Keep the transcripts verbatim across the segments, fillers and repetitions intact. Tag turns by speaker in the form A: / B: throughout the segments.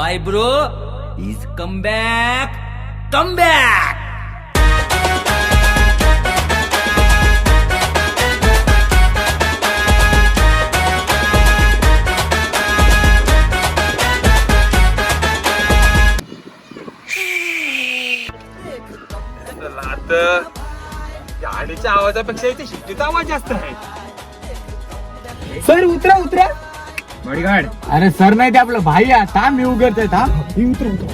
A: Bye bro is come back come back.
B: गाडीच्या आवाजापेक्षा इथे शिट्टीचा आवाज जास्त आहे. सर उतरा उतरा. बॉडीगार्ड. अरे सर नाही ते आपलं भाई आहे. थांब मी उघडतोय. थांब मी उतर उतर.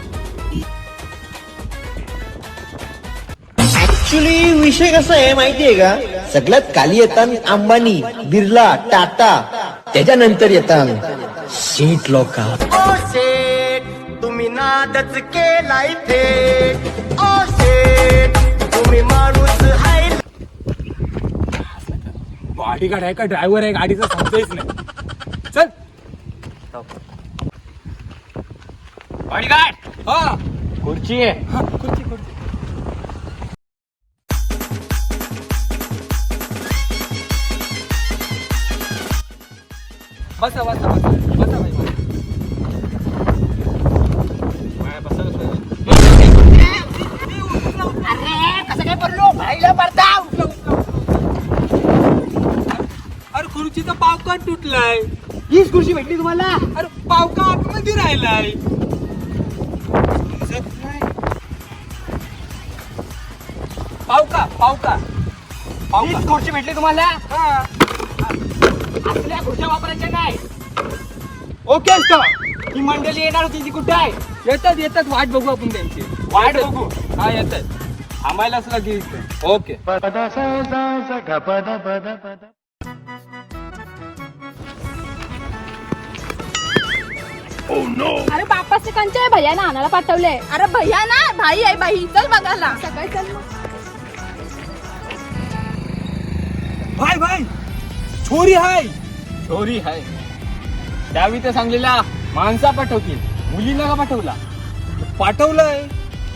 C: ऍक्च्युली विषय कसा आहे माहितीये का, सगळ्यात खाली येतात अंबानी, बिर्ला, टाटा, त्याच्यानंतर येतात शेठ लोक. ओ शेठ तुम्ही नादच केलाय थेट. ओ शेठ तुम्ही माणूस आहे.
B: बॉडीगार्ड आहे का ड्रायव्हर आहे गाडीचं समजायच नाही. चल बॉडीगार्ड. हा खुर्ची आहे. हा खुर्ची खुर्ची. बसा बसा बसा बसा भाई बसा बसा.
C: अरे कसं काय बोललो भाईला पडताव.
B: अरे खुर्चीचा पाव का तुटलाय.
C: हीच खुर्ची भेटली तुम्हाला.
B: अरे पाव का आतमध्ये राहिलाय. पाव का पाव का पाव का
C: खुर्ची भेटली तुम्हाला.
B: हा.
C: आपल्या खुर्च्या वापरायच्या नाही.
B: ओके असतं.
C: ही मंडळी येणार होती ती कुठे आहे.
B: येतात येतात वाट बघू आपण त्यांची.
C: वाट बघू.
B: हा येतात. थांबायलाच लागेल. ओके.
D: अरे बाप्पा से कंचे भैया ना आणायला पाठवले.
E: अरे भैया ना भाई आहे भाई. चल बघायला.
D: सकाळी चल मग.
B: भाई भाई छोरी हाय. छोरी हाय. त्यावेळी तर सांगलेला माणसा पाठवतील, मुलीला का पाठवला. पाठवलंय.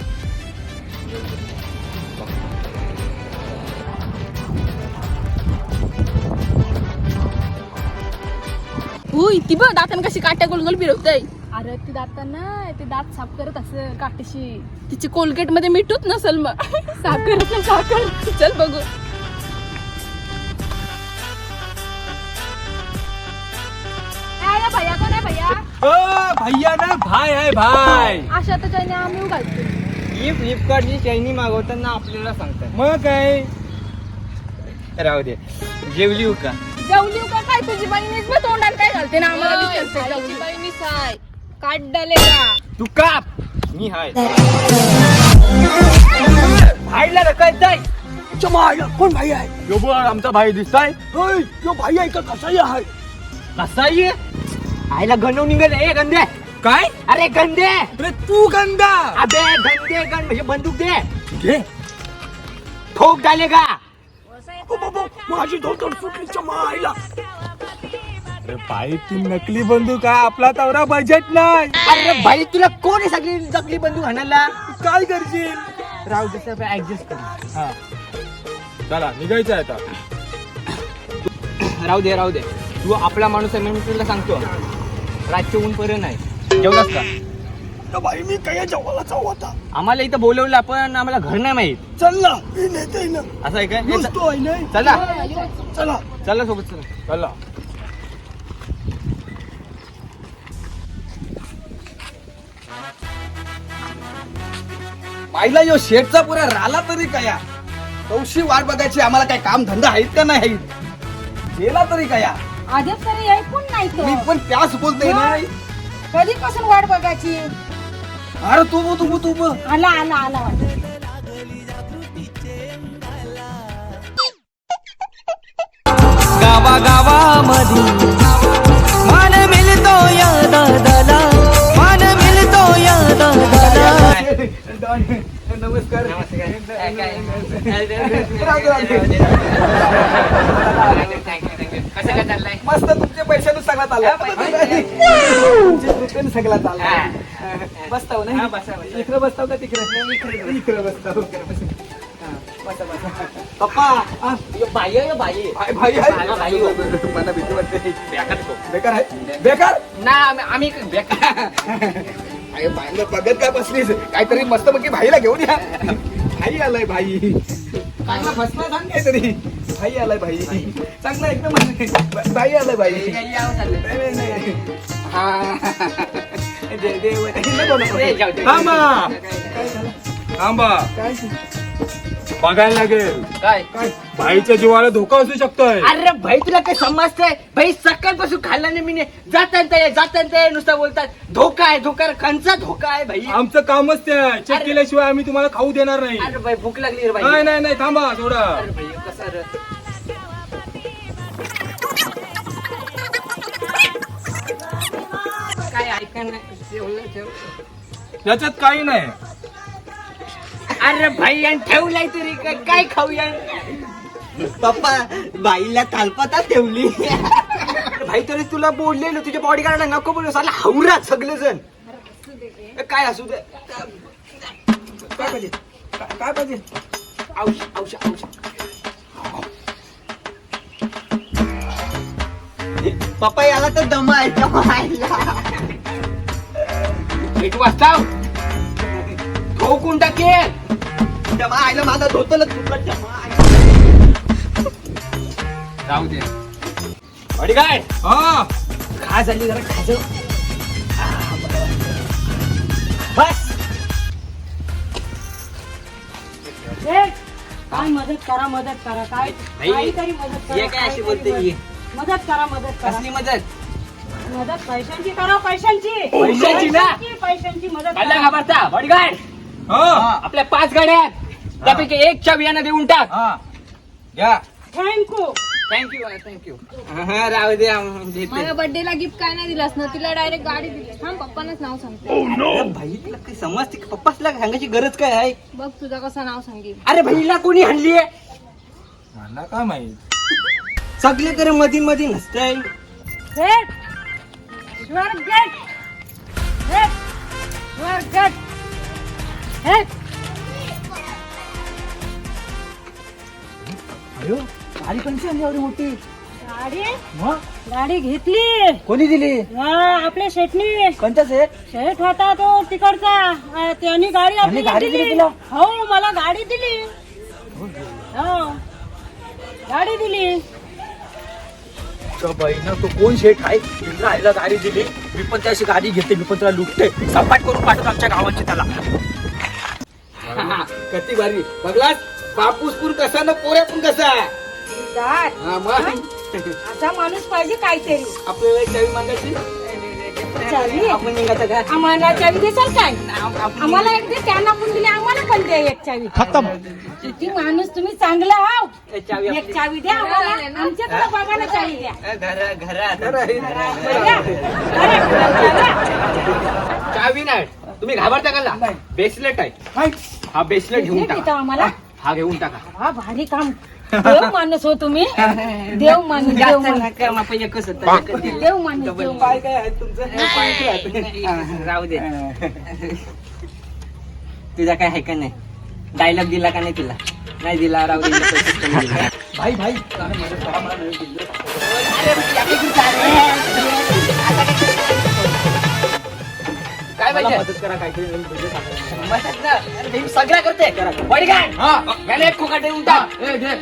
E: उय ती बघ दातन कशी काट्या गोलगोल फिरवतय.
D: अरे ती दात ना ते दात साफ करत असेल काटेशी.
E: तिची कोलगेट मध्ये मिठूच नसल मग.
D: साफ करत ना साफ कर.
E: चल बघू.
D: अरे भैया कोण आहे भैया.
B: ओ भैया ना भाई आहे भाई.
D: अशा त्याच्याने आम्ही घालतो.
B: ही फ्लिपकार्टची चैनी मागवताना आपल्याला सांगतात. मग काय राहू दे. जेवली हो का.
E: जेवली का काय तुझी बहिणीच मग तोंडात काय घालते ना आम्हाला विचारते.
D: भाईची
E: बहिणी साय काट डाले का.
B: तू काप. मी हाय. भाईला रकायचंय. कोण भाई आहे. यो बघ आमचा भाई दिसताय. यो भाई आहे का कसाही आहे. कसाही
C: आईला गंडव निघाल. ए गंदे.
B: काय.
C: अरे गंदे.
B: अरे तू गंदा.
C: अबे गंदे गंद म्हणजे बंदूक दे.
B: घे.
C: ठोक डाले का.
B: माझी धोतर सुटली मायला. अरे भाई ती नकली बंदूक आहे. आपला तवरा बजेट नाही.
C: अरे भाई तुला कोण आहे सगळी जगली बंदूक आणायला.
B: काय करशील.
C: राहू दे सर ऍडजस्ट कर.
B: हा चला निघायचं आहे आता.
C: राहू दे राहू दे. तू आपला माणूस आहे म्हणून तुला सांगतो. रातचे ऊन पर्यंत नाही. जेवलास का.
B: भाई मी काय जेवायला जाऊ आता.
C: आम्हाला इथं बोलवलं पण आम्हाला घर नाही माहित.
B: चल ना मी नेते ना.
C: असं आहे काय.
B: नुसतो आहे नाही.
C: चला
B: चला
C: चला सोबत चला.
B: चला.
A: पाहिला यो शेटचा पुरा राला तरी कया. कौशी वाट बघायची आम्हाला काय काम धंदा आहेत का नाही आहेत. गेला तरी कया.
D: आधीच तरी ऐकून नाही तो.
A: मी पण त्याच बोलतोय नाही.
D: कधीपासून वाट बघायची.
A: अरे तू बो तू बो तू बो.
D: आला आला आला वाट.
F: गावा गावामध्ये मान मिळतो या दादाला. मान मिळतो या दादाला.
B: नमस्कार.
A: मस्त तुमच्या पैशानं सगळा चालला. तुमच्या सगळा चालला. बसताव नाही. इकडे बसताव का तिकडे. इकडे बसताव.
C: पप्पा बाई आहे बाई
A: भाई भाई आहे.
C: मला भाई हो.
A: मला भीती वाटते. बेकार आहे बेकार
C: ना आम्ही बेकार
A: अरे बाईला बघत काय बसलीस काहीतरी मस्त पैकी भाईला घेऊन या भाई आलाय भाई चांगला फसला सांग काहीतरी भाई आलाय भाई चांगला एकदम भाई आलाय भाई नाही, नाही, नाही. हा दे- दे- नको, नको.
B: थांबा थांबा
A: काय
B: बघायला लागेल
C: काय
B: भाईच्या जीवाला धोका असू शकतोय.
C: अरे भाई तुला काय समजतंय भाई सकाळपासून खाल्ला नाही मी जातात जातात नुसतं बोलतात धोका आहे धोका कंचा धोका आहे भाई
B: आमचं कामच ते आहे. चेक केल्याशिवाय आम्ही तुम्हाला खाऊ देणार नाही.
C: अरे भाई भूक लागली रे भाई
B: नाही नाही नाही थांबा थोडा.
C: अरे भाई कसं रे काय ऐका नाही
B: त्याच्यात काही नाही.
C: अरे भाई आणि ठेवलाय तरी काय काय खाऊया
F: पप्पा बाईला तालपाता ठेवली.
C: भाई तरी तुला बोललेलो तुझ्या बॉडी गार्डला नको बोलू साला हावरा सगळे जण काय असू दे
A: काय पाहिजे काय काय पाहिजे
C: औष औष औष
F: पप्पा याला तर दम आहे दमायला.
C: एक वाजता ठोकून टाकेल
F: दमा आयला माझा धोतल तुला दमा आहे.
C: राहू दे बॉडी गार्ड
B: हा
C: खा झाली जरा खाज बस
G: काय मदत करा मदत करा काय
C: भाई,
G: काहीतरी मदत
C: ये
G: करा
C: काय अशी
G: काहीतरी
C: बोलते
G: मदत.
C: ही?
G: मदत करा मदत करा
C: कसली मदत
G: मदत पैशांची करा पैशांची
C: पैशांची ना?
G: पैशांची मदत
C: मला
G: करा.
C: घाबरता बॉडी गार्ड
B: हा
C: आपल्या पाच गाड्या आहेत त्यापैकी एक च्या बियाणं देऊन टाक
A: हा घ्या
G: थँक्यू
C: थँक्यू थँक्यू राहू दे आम्ही देते.
D: माझ्या बर्थडे ला गिफ्ट काय नाही दिलास ना तिला डायरेक्ट गाडी दिली थांब पप्पांनाच नाव सांगते
F: अरे भाई तुला काही समजते का? पप्पासला सांगायची गरज काय आहे?
D: बघ तुझा कसं नाव सांगेल
C: अरे बहिणीला कोणी हल्ली
B: मला काय माहित.
F: सगळे करे मधी मधी नसतंय.
G: Get your get get your get get
F: गाडी कोणची आणली एवढी मोठी?
G: गाडी गाडी घेतली
F: कोणी दिली?
G: हा आपल्या शेटनी
F: कोणता सेट?
G: शेठ होता तो तिकडचा अं, त्यांनी गाडी आपली
F: गाडी दिली
G: दिली
F: तुला?
G: हो मला गाडी दिली हो गाडी दिली
F: बहिण तो कोण शेठ आहे तिला आईला गाडी दिली मी पण त्याची गाडी घेते मी पण त्याला लुटते सपाट करून पाठवतो आमच्या गावाची त्याला.
A: कती भारी बघलास बापूसपूर कसा ना पोऱ्या पण कसा
G: काय
A: हा मग
G: असा माणूस पाहिजे काहीतरी
A: आपल्याला एक चावी मागायची
G: चावी
F: आपण निघायचं का?
G: आम्हाला चावी देसाल काय आम्हाला एक दे त्यांना पण दिली आम्हाला पण द्या एक चावी किती माणूस तुम्ही चांगला आहो
F: ए, चावी
G: एक चावी द्या आम्हाला आमच्याकडे बाबाला चावी द्या
F: घरा घरात
G: द्या. अरे, द्या.
C: चावी नाही तुम्ही घाबरता का बेसलेट आहे हा बेसलेट घेऊन
G: घेऊन येतो
C: टाका
G: आम्हाला
C: हा घेऊन टाका
G: हा भारी काम देव माणूस हो तुम्ही देव माणूस देव माणूस देव माणूस देव माणूस.
A: काय काय आहे तुमचं
C: राहू दे तुझा काय आहे का नाही डायलॉग दिला का नाही तुला नाही दिला राहू दे पैसे कमी दिले.
A: भाई भाई अरे मदत करा मला नाही दिलं.
C: काय
A: मला
C: पाहिजे
A: मदत करा काहीतरी नवीन पैसे टाका.
C: मदत ना? अरे भाई सगळं करते बॉडीगार्ड
A: हा
C: याला एक खोका देऊन टाक
A: ए घे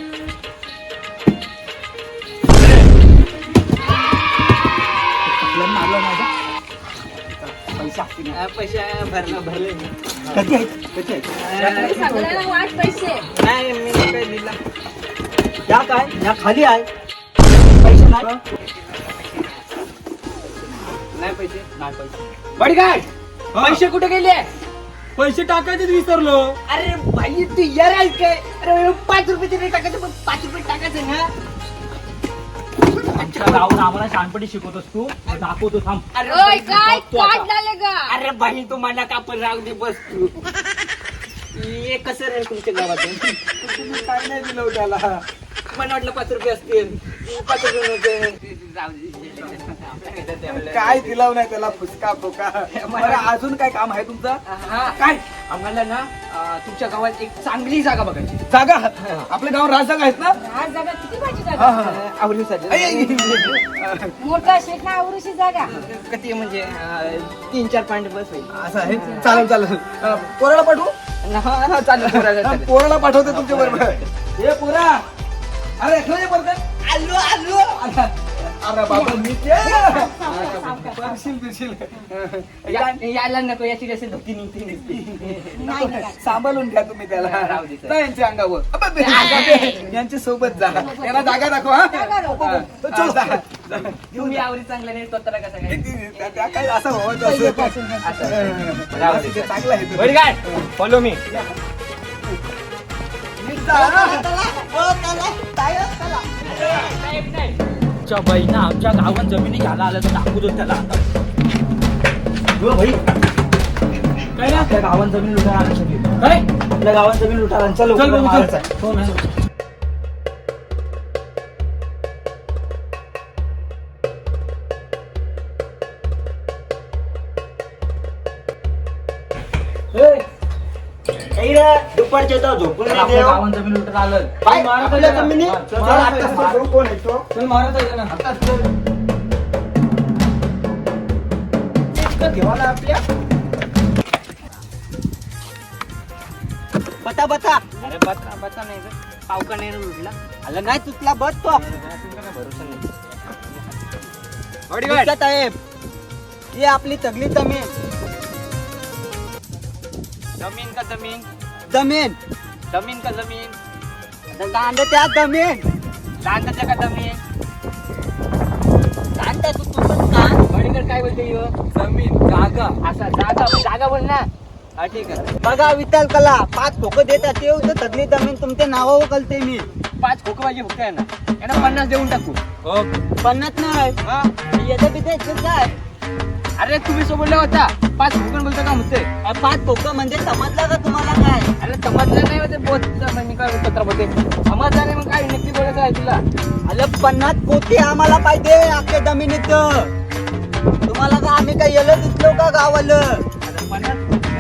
A: आपल्याला मारलं माझा पैसा
C: हा, पैसे भरलं भरले
A: कधी आहेत कधी आहेत
D: सगळ्यांना वाट पैसे
C: नाही मी नाही काही दिला
F: या काय या खाली आहे
A: पैसे नाही
C: नाही पैसे नाही पैसे बॉडीगार्ड पैसे कुठे गेले
B: पैसे टाकायचेच विसरलो.
C: अरे भाई तू यार आहे काय अरे पाच रुपये तरी टाकायचं पण पाच रुपये टाकायचं ना
F: आमच्या गावाला आम्हाला शहाणपणी शिकवतोस तू दाखवतो थांब.
C: अरे
D: ओय
C: भाई,
D: काय
C: तू आता-
D: काट झाले का
C: अरे भाई तू मला का पण राहू दे बस तू हे कसं रे तुमच्या गावातून
A: तुम्ही काय नाही दिलं हो त्याला
C: मला वाटलं पाच रुपये असतील पाच रुपये नव्हते.
A: काय दिलाव नाही त्याला फुसका फोका बरं अजून काय काम आहे तुमचं
F: हा काय आम्हाला ना अं, तुमच्या गावात एक चांगली जागा बघायची
A: जागा आपलं गाव राजजागा आहेत ना
G: आज जागा किती पाहिजे
A: हा,
G: जागा
A: हा.
F: आवडीसाठी
A: आई, आई, आई.
G: मोठा शेत ना आवरूशी जागा
F: किती म्हणजे अं, तीन चार पॉईंट बस होईल
A: असं आहे चालेल चालेल अं, पोराला पाठवू
F: हा, हा, चालेल पोराला
A: हा,
F: चालेल.
A: पोराला पाठवते तुमच्या बरोबर हे पोरा अरे ऐकलं नाही परत आलो आलो अरे बाबा मी परशील बिरशील
F: या- यायला नको याची कशी धोती निघती निघती
G: नाही नाही.
A: सांभाळून घ्या तुम्ही त्याला
F: राहू दे, सर.
A: जा यांच्या अंगावर अबे, बे, यांच्या सोबत जा त्यांना जागा दाखव हा
G: जागा दाखव.
A: हा, चल, जा, जा.
F: तुम्ही आवडी चांगला नाही स्वतःला कसं काय
A: त्या- त्या काय असं व्हावं असं
F: असं. राहू दे, सर.
A: चांगलं आहे
F: बरं काय फॉलो मी आमच्या बहिणा आमच्या गावात जमिनी घ्यायला आल्या तर दाखवू दो त्याला आता भाई काय ना आपल्या गावात जमीन लुटायला आलं सगळी काय आपल्या गावात जमीन लुटायला चल
A: चल, बघू, चल.
F: मारायचं आहे. हो ना.
C: दुपारच्या तर झोपून
F: चल, आपल्या गावात जमीन लुटायला आलं
C: काय?
F: मारत
C: आपल्या
F: आहे ना.
C: जमिनी?
F: हा, चल,
C: चल,
F: मारत
C: आत्ताच
F: आहे,
C: तो
F: मार.
C: करू, कोण आहे तो?
F: चल मारत आहे ना
C: घेवाला आपल्या बता बता
F: अरे बता बता नाही रे पावका नाही लुटला
C: आला नाही तुटला बस तो
F: बॉडीगार्ड
C: साहेब ही आपली तगली जमीन
F: जमीन का जमीन
C: जमीन
F: जमीन का जमीन
C: दांड त्या जमीन
F: लांडाच्या का जमीन
C: दांड तू तुझं कान
F: बॉडीगार्ड काय बोलते ह्यो?
A: जमीन जागा
F: असा जागा जागा बोल ना
C: हा ठीक आहे बघा विठ्ठल कला पाच ठोकं देतात ते होतं तगली जमीन तुमच्या नावावर कळते मी
F: पाच खोकं पाहिजे फक्त यांना यांना पन्नास देऊन टाकू
C: पन्नास नाही येतं बिथे काय
F: अरे तुम्ही सोबतला होता पाच खोकं बोलता का म्हणते
C: अ, पाच ठोकं म्हणजे समजलं का तुम्हाला काय
F: अरे समजलं नाही होते बोत मी काय पत्र बोलते समजलं नाही मग काय नक्की बोलायचं आहे तुला
C: अरे पन्नास पोती आम्हाला पाहिजे अख्ख्या जमिनीत तुम्हाला का आम्ही काय येलं दिसलो का गावाला
F: अरे पन्नास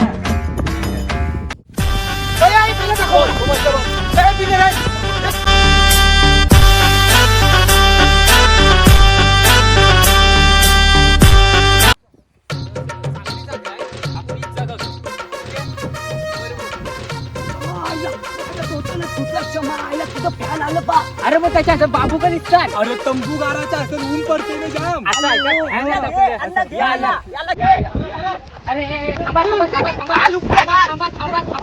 F: अरे मग त्याच्या असं बाबू का दिसतात
B: अरे तंबू गाराचा असेल ऊन पडते ना जाम
F: असं आहे का? ह्यांना दाखवूया. या, या. अरे थांबा, थांबा, थांबा, थांबा. थांबा, थांबा, थांबा.